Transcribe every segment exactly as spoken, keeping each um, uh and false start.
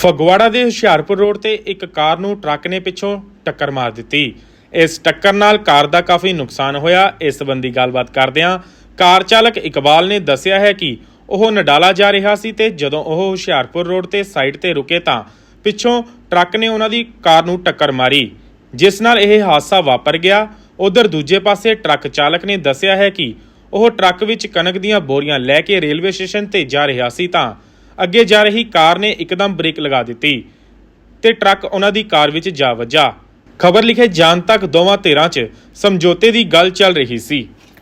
ਫਗਵਾੜਾ ਦੇ ਹੁਸ਼ਿਆਰਪੁਰ ਰੋਡ ਤੇ ਇੱਕ ਕਾਰ ਨੂੰ ਟਰੱਕ ਨੇ ਪਿੱਛੋਂ ਟੱਕਰ ਮਾਰ ਦਿੱਤੀ। ਇਸ ਟੱਕਰ ਨਾਲ ਕਾਰ ਦਾ ਕਾਫੀ ਨੁਕਸਾਨ ਹੋਇਆ। ਇਸ ਸੰਬੰਧੀ ਗੱਲਬਾਤ ਕਰਦਿਆਂ ਕਾਰ ਚਾਲਕ ਇਕਬਾਲ ਨੇ ਦੱਸਿਆ ਹੈ ਕਿ ਉਹ ਨਡਾਲਾ ਜਾ ਰਿਹਾ ਸੀ ਤੇ ਜਦੋਂ ਉਹ ਹੁਸ਼ਿਆਰਪੁਰ ਰੋਡ ਤੇ ਸਾਈਡ ਤੇ ਰੁਕੇ ਤਾਂ ਪਿੱਛੋਂ ਟਰੱਕ ਨੇ ਉਹਨਾਂ ਦੀ ਕਾਰ ਨੂੰ ਟੱਕਰ ਮਾਰੀ, ਜਿਸ ਨਾਲ ਇਹ ਹਾਦਸਾ ਵਾਪਰ ਗਿਆ। ਉਧਰ ਦੂਜੇ ਪਾਸੇ ਟਰੱਕ ਚਾਲਕ ਨੇ ਦੱਸਿਆ ਹੈ ਕਿ ਉਹ ਟਰੱਕ ਵਿੱਚ ਕਣਕ ਦੀਆਂ ਬੋਰੀਆਂ ਲੈ ਕੇ ਰੇਲਵੇ ਸਟੇਸ਼ਨ ਤੇ ਜਾ ਰਿਹਾ ਸੀ ਤਾਂ ਅੱਗੇ ਜਾ ਰਹੀ ਕਾਰ ਨੇ ਇੱਕਦਮ ਬ੍ਰੇਕ ਲਗਾ ਦਿੱਤੀ ਤੇ ਟਰੱਕ ਉਹਨਾਂ ਦੀ ਕਾਰ ਵਿੱਚ ਜਾ ਵੱਜਾ। ਖਬਰ ਲਿਖੇ ਜਾਣ ਤੱਕ ਦੋਵਾਂ ਧਿਰਾਂ 'ਚ ਸਮਝੌਤੇ ਦੀ ਗੱਲ ਚੱਲ ਰਹੀ ਸੀ।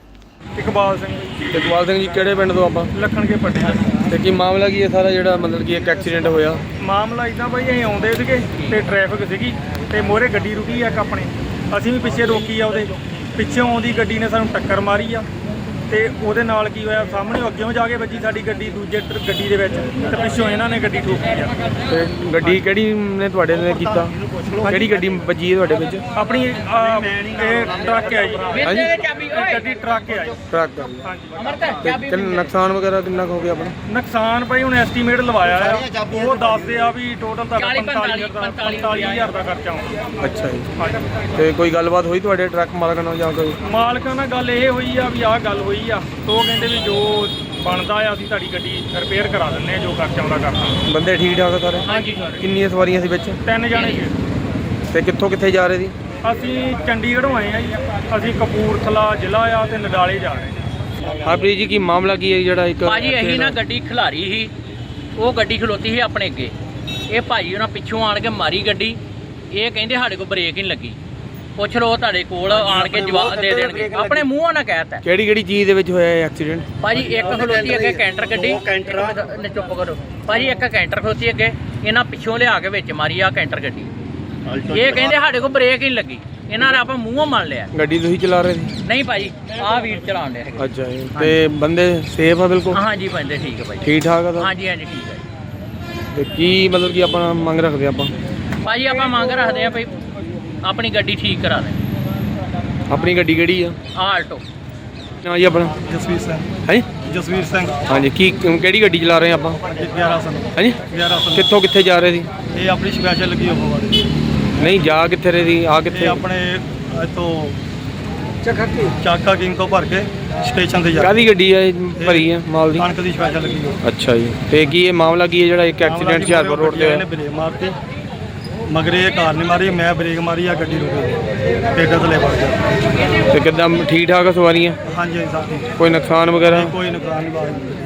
ਇਕਬਾਲ ਸਿੰਘ ਇਕਬਾਲ ਸਿੰਘ ਜੀ ਕਿਹੜੇ ਪਿੰਡ ਤੋਂ ਆਪਾਂ? ਲੱਖਣ ਕੇ ਪੱਟੇ ਤੇ ਕੀ ਮਾਮਲਾ ਕੀ ਹੈ ਸਾਰਾ ਜਿਹੜਾ ਮਤਲਬ ਕਿ ਇੱਕ ਐਕਸੀਡੈਂਟ ਹੋਇਆ? ਮਾਮਲਾ ਇਦਾਂ ਬਾਈ ਅਸੀਂ ਆਉਂਦੇ ਸੀਗੇ ਤੇ ਟ੍ਰੈਫਿਕ ਸੀਗੀ ਤੇ ਮੋਹਰੇ ਗੱਡੀ ਰੁਕੀ ਆ ਇੱਕ ਆਪਣੇ, ਅਸੀਂ ਵੀ ਪਿੱਛੇ ਰੋਕੀ ਆ। ਉਹਦੇ ਪਿੱਛੋਂ ਆਉਂਦੀ ਗੱਡੀ ਨੇ ਸਾਨੂੰ ਟੱਕਰ ਮਾਰੀ ਆ ਤੇ ਉਹਦੇ ਨਾਲ ਕੀ ਹੋਇਆ, ਸਾਹਮਣੇ ਅੱਗੇੋਂ ਜਾ ਕੇ ਵੱਜੀ ਸਾਡੀ ਗੱਡੀ ਦੂਜੇ ਗੱਡੀ ਦੇ ਵਿੱਚ ਤੇ ਪਿੱਛੋਂ ਇਹਨਾਂ ਨੇ ਗੱਡੀ ਠੋਕੀ ਆ। ਤੇ ਗੱਡੀ ਕਿਹੜੀ ਨੇ ਤੁਹਾਡੇ ਨੇ ਕੀਤਾ? ਕਿਹੜੀ ਗੱਡੀ ਵੱਜੀ ਹੈ ਤੁਹਾਡੇ ਵਿੱਚ? ਆਪਣੀ ਆਹ, ਇਹ ਟਰੱਕ ਹੈ ਜੀ। ਹਾਂਜੀ ਇਹ ਗੱਡੀ ਟਰੱਕ ਹੈ ਜੀ। ਟਰੱਕ। ਹਾਂਜੀ। ਤੇ ਕਿੰਨਾ ਨੁਕਸਾਨ ਵਗੈਰਾ ਕਿੰਨਾ ਕੁ ਹੋ ਗਿਆ ਆਪਣਾ? ਨੁਕਸਾਨ ਭਾਈ ਹੁਣ ਐਸਟੀਮੇਟ ਲਵਾਇਆ ਆ, ਉਹ ਦੱਸਦੇ ਆ ਵੀ ਟੋਟਲ ਤਾਂ ਪੰਤਾਲੀ ਹਜ਼ਾਰ ਦਾ ਖਰਚਾ ਆਉਂਦਾ। ਅੱਛਾ ਜੀ। ਤੇ ਕੋਈ ਗੱਲਬਾਤ ਹੋਈ ਤੁਹਾਡੇ ਟਰੱਕ ਮਾਲਕ ਨਾਲ ਜਾਂ ਕੋਈ? ਮਾਲਕਾਂ ਨਾਲ ਗੱਲ ਇਹ ਹੋਈ ਆ ਵੀ ਆਹ ਗੱਲ ਹੋਈ ਆ, ਤੇ ਉਹ ਕਹਿੰਦੇ ਵੀ ਜੋ ਬਣਦਾ ਆ ਅਸੀਂ ਤੁਹਾਡੀ ਗੱਡੀ ਰਿਪੇਅਰ ਕਰਾ ਦਿੰਦੇ ਆ, ਜੋ ਖਰਚਾ ਆਉਂਦਾ ਕਰਦਾ। ਬੰਦੇ ਠੀਕ ਠਾਕ ਸਾਰੇ? ਹਾਂਜੀ। ਕਿੰਨੀਆਂ ਸਵਾਰੀਆਂ ਸੀ ਵਿੱਚ? ਤਿੰਨ ਜਾਣੇ ਸੀ। ਤੇ ਕਿੱਥੋਂ ਕਿੱਥੇ ਜਾ ਰਹੇ ਸੀ? ਅਸੀਂ ਚੰਡੀਗੜ੍ਹੋਂ ਆਏ ਆ ਜੀ, ਅਸੀਂ ਕਪੂਰਥਲਾ ਜ਼ਿਲ੍ਹਾ ਆ ਤੇ ਨਡਾਲੇ ਜਾ ਰਹੇ ਹਾਂ। ਹਰਪ੍ਰੀਤ ਜੀ ਕੀ ਮਾਮਲਾ ਕੀ ਹੈ ਜਿਹੜਾ ਇੱਕ ਭਾਜੀ ਅਸੀਂ ਨਾ ਗੱਡੀ ਖਿਲਾਰੀ ਸੀ, ਉਹ ਗੱਡੀ ਖਲੋਤੀ ਸੀ ਆਪਣੇ ਅੱਗੇ, ਇਹ ਭਾਜੀ ਉਹਨਾਂ ਪਿੱਛੋਂ ਆਣ ਕੇ ਮਾਰੀ ਗੱਡੀ। ਇਹ ਕਹਿੰਦੇ ਸਾਡੇ ਕੋਲ ਬ੍ਰੇਕ ਹੀ ਨਹੀਂ ਲੱਗੀ। ਪੁੱਛ ਲਓ ਤੁਹਾਡੇ ਕੋਲ ਆਣ ਕੇ ਜਵਾਬ ਦੇ ਦੇਣਗੇ, ਆਪਣੇ ਮੂੰਹੋਂ ਨਾ ਕਹਿਤਾ। ਕਿਹੜੀ ਕਿਹੜੀ ਚੀਜ਼ ਦੇ ਵਿੱਚ ਹੋਇਆ ਇਹ ਐਕਸੀਡੈਂਟ? ਭਾਜੀ ਇੱਕ ਖਲੋਤੀ ਅੱਗੇ ਕੈਂਟਰ ਗੱਡੀ, ਨੇ ਚੁੱਪ ਕਰੋ ਭਾਜੀ, ਇੱਕ ਕੈਂਟਰ ਖਲੋਤੀ ਅੱਗੇ, ਇਹਨਾਂ ਪਿੱਛੋਂ ਲਿਆ ਕੇ ਵਿੱਚ ਮਾਰੀ ਆ ਕੈਂਟਰ ਗੱਡੀ। ਇਹ ਕਹਿੰਦੇ ਸਾਡੇ ਕੋਲ ਬ੍ਰੇਕ ਹੀ ਨਹੀਂ ਲੱਗੀ, ਇਹਨਾਂ ਨੇ ਆਪਾਂ ਮੂੰਹੋਂ ਮੰਨ ਲਿਆ। ਗੱਡੀ ਤੁਸੀਂ ਚਲਾ ਰਹੇ ਸੀ? ਨਹੀਂ ਭਾਜੀ, ਆਹ ਵੀਰ ਚਲਾਉਣ ਲਿਆ। ਅੱਛਾ ਜੀ। ਤੇ ਬੰਦੇ ਸੇਫ ਆ ਬਿਲਕੁਲ? ਹਾਂਜੀ ਬੰਦੇ ਠੀਕ ਹੈ ਭਾਜੀ। ਠੀਕ ਠਾਕ ਆ? ਹਾਂਜੀ ਹਾਂਜੀ ਠੀਕ ਹੈ ਜੀ। ਤੇ ਕੀ ਮਤਲਬ ਕਿ ਆਪਣਾ ਮੰਗ ਰੱਖਦੇ ਆਪਾਂ? ਭਾਜੀ ਆਪਾਂ ਮੰਗ ਰੱਖਦੇ ਆ ਭਾਈ ਆਪਣੀ ਗੱਡੀ ਠੀਕ ਕਰਾ ਦੇ। ਆਪਣੀ ਗੱਡੀ ਕਿਹੜੀ ਆ? ਆਲਟੋ। ਨਾ ਜੀ ਆਪਣਾ? ਜਸਵੀਰ ਸਿੰਘ। ਹਾਂਜੀ ਜਸਵੀਰ ਸਿੰਘ। ਹਾਂਜੀ। ਕੀ ਕਿਹੜੀ ਗੱਡੀ ਚਲਾ ਰਹੇ ਆਪਾਂ? ਗਿਆਰਾਂ ਸੌ। ਹਾਂਜੀ। ਗਿਆਰਾਂ ਸੌ। ਕਿੱਥੋਂ ਕਿੱਥੇ ਜਾ ਰਹੇ ਸੀ? ਇਹ ਆਪਣੀ ਸਪੈਸ਼ਲ ਲੱਗੀ ਹੋਵਾ ਵਾਲੀ। ਨਹੀਂ ਜਾ ਕਿੱਥੇ ਰਹੇ ਸੀ? ਆ ਕਿੱਥੇ? ਇਹ ਆਪਣੇ ਇੱਥੋਂ ਚੱਕਾ ਚਾਕਾ ਕਿੰਗ ਤੋਂ ਭਰ ਕੇ ਸਟੇਸ਼ਨ ਤੇ ਜਾ। ਕਾਹਦੀ ਗੱਡੀ ਆ ਇਹ ਭਰੀ ਆ ਮਾਲ ਦੀ? ਕਣਕ ਦੀ ਸਪੈਸ਼ਲ ਲੱਗੀ ਹੋ। ਅੱਛਾ ਜੀ। ਤੇ ਕੀ ਇਹ ਮਾਮਲਾ ਕੀ ਹੈ ਜਿਹੜਾ ਇੱਕ ਐਕਸੀਡੈਂਟ ਹੁਸ਼ਿਆਰਪੁਰ ਰੋਡ ਤੇ ਹੋਇਆ? ਬ੍ਰੇਕ ਮਾਰਤੀ, ਮਗਰ ਇਹ ਕਾਰ ਨਹੀਂ ਮਾਰੀ, ਮੈਂ ਬ੍ਰੇਕ ਮਾਰੀ ਆ, ਗੱਡੀ ਰੁਕ ਗਈ, ਟੇਡਾ ਥੱਲੇ ਵੜ ਗਿਆ। ਤੇ ਕਿੱਦਾਂ ਠੀਕ ਠਾਕ ਆ ਸਵਾਰੀਆਂ? ਹਾਂਜੀ ਸਭ ਠੀਕ। ਕੋਈ ਨੁਕਸਾਨ ਵਗੈਰਾ? ਕੋਈ ਨੁਕਸਾਨ ਨਹੀਂ ਬਾਅਦ।